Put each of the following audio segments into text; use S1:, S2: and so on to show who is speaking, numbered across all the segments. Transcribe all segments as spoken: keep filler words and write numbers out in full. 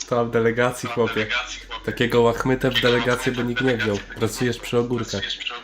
S1: To w delegacji, chłopie. Takiego łachmytę w delegację by nikt nie wziął. Pracujesz przy ogórkach.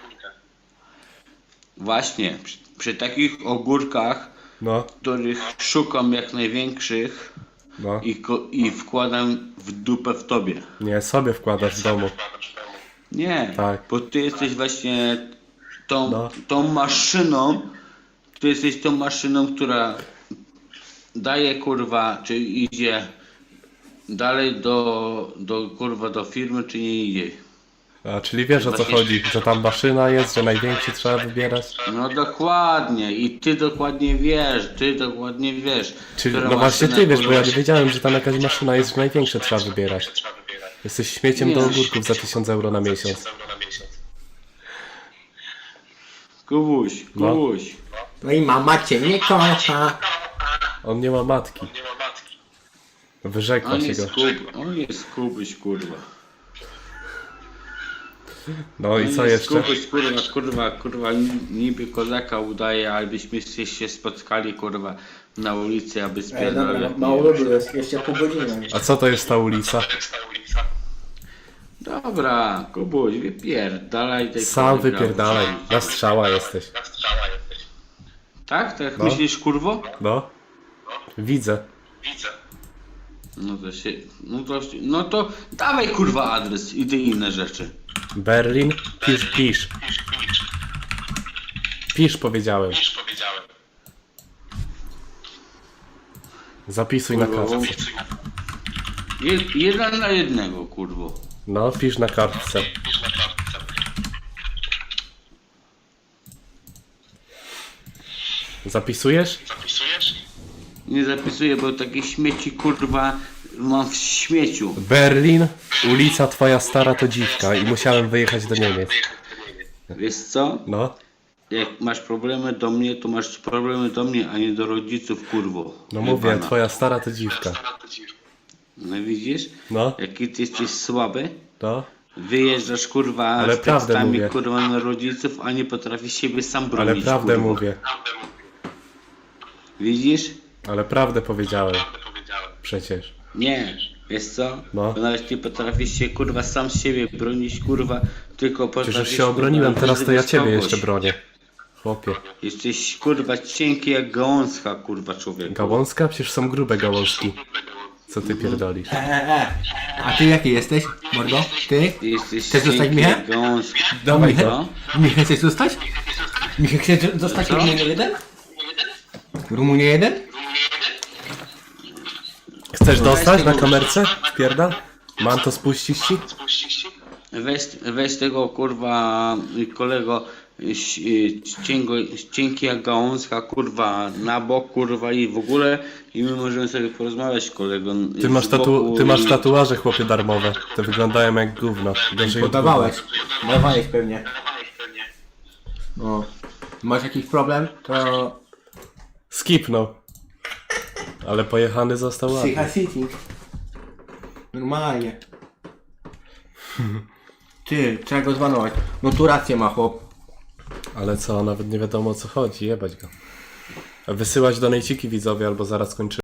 S2: Właśnie, przy, przy takich ogórkach,
S1: No,
S2: których szukam jak największych
S1: no.
S2: i, ko- i wkładam w dupę w tobie.
S1: Nie, sobie wkładasz w domu.
S2: Nie,
S1: Tak.
S2: bo ty jesteś właśnie tą,
S1: No.
S2: tą maszyną, ty jesteś tą maszyną, która daje kurwa, czy idzie dalej do, do kurwa do firmy, czy nie idzie.
S1: A, czyli wiesz o co chodzi, że tam maszyna jest, że największy trzeba wybierać.
S2: No dokładnie i ty dokładnie wiesz, ty dokładnie wiesz.
S1: Czyli,
S2: która
S1: no właśnie
S2: maszyna,
S1: ty wiesz, bo ja
S2: kurwa,
S1: nie wiedziałem, że tam jakaś maszyna jest, że największe trzeba wybierać. Jesteś śmieciem do ogórków za tysiąc euro na miesiąc.
S2: Kubuś,
S1: No.
S2: Kubuś.
S3: No i mama cię nie kocha.
S1: On nie ma matki. Wyrzekła
S2: On
S1: się
S2: jest,
S1: go.
S2: kub, on jest Kubuś, kurwa.
S1: No i
S2: On
S1: co
S2: jest
S1: jeszcze?
S2: Kubuś, kurwa, kurwa, kurwa, niby kozaka udaje, abyśmy się spotkali, kurwa, na ulicy, aby
S3: Ej,
S2: spierdalać.
S3: dobra, mało lubię, jest jeszcze pół godziny.
S1: A co to jest ta ulica?
S2: Dobra, Kubuś, wypierdalaj tej
S1: Sam
S2: kurwa,
S1: wypierdalaj.
S2: brawo.
S1: Na strzała jesteś.
S2: Tak? Tak
S1: No.
S2: myślisz, kurwo?
S1: No. Widzę.
S2: No to się, no to, się- no to dawaj kurwa adres i te inne rzeczy.
S1: Berlin? Pisz, pisz. Pisz powiedziałem. Zapisuj na
S2: Kurwa,
S1: kartce.
S2: Je, jeden na jednego, kurwo.
S1: No, pisz na kartce. Zapisujesz?
S2: Nie zapisuję, bo takie śmieci kurwa mam w śmieciu.
S1: Berlin, ulica twoja stara to dziwka i musiałem wyjechać do Niemiec.
S2: Wiesz co?
S1: No,
S2: Jak masz problemy do mnie, to masz problemy do mnie, a nie do rodziców, kurwo.
S1: no mówię,
S2: Jebana.
S1: twoja stara to dziwka.
S2: No widzisz?
S1: No,
S2: Jaki ty jesteś słaby?
S1: no.
S2: Wyjeżdżasz kurwa
S1: Ale
S2: z
S1: prawdę
S2: tekstami
S1: mówię.
S2: kurwa na rodziców, a nie potrafisz siebie sam bronić.
S1: Ale prawdę
S2: kurwo.
S1: mówię.
S2: Widzisz?
S1: Ale prawdę powiedziałem. Przecież.
S2: Nie, wiesz co?
S1: No.
S2: Bo nawet nie potrafisz się kurwa sam z siebie bronić, kurwa, tylko potrafisz.
S1: Przecież już się
S2: kurwa,
S1: obroniłem, teraz to ja
S2: wyzywać
S1: ciebie
S2: kogoś.
S1: jeszcze bronię. Chłopie.
S2: Jesteś kurwa cienki jak gałązka, kurwa człowiek.
S1: Gałązka? Przecież są grube gałązki. Co ty pierdolisz?
S3: E, e, e. A ty jaki jesteś, mordo? Ty?
S2: Ty jesteś
S3: Chcesz zostać
S2: cienki
S3: Michał?
S2: jak gałązka.
S3: Dawaj,
S2: Co?
S3: Michał, chcesz zostać? Michał, chcesz zostać
S2: Co?
S3: Rumunie jeden? Rumunie jeden?
S1: Chcesz dostać na kamerce? Pierdal? Mam to spuścić ci?
S2: Weź, weź tego kurwa kolego ś- ciengo, cienki jak gałązka kurwa na bok kurwa i w ogóle i my możemy sobie porozmawiać kolego.
S1: Ty masz,
S2: z
S1: tatu
S2: boku
S1: ty masz
S2: i-
S1: tatuaże, chłopie, darmowe. Te wyglądają jak gówno. Gorzej od
S3: Podawałeś.
S1: gówna.
S3: Dawałeś pewnie. No. Masz jakiś problem? To...
S1: Skipnął. Ale pojechany został ładny.
S3: Psycha City. Normalnie. Ty, trzeba go zwanować. No tu rację ma chłop.
S1: Ale co, nawet nie wiadomo o co chodzi, jebać go. Wysyłać donejciki widzowie, albo zaraz kończymy.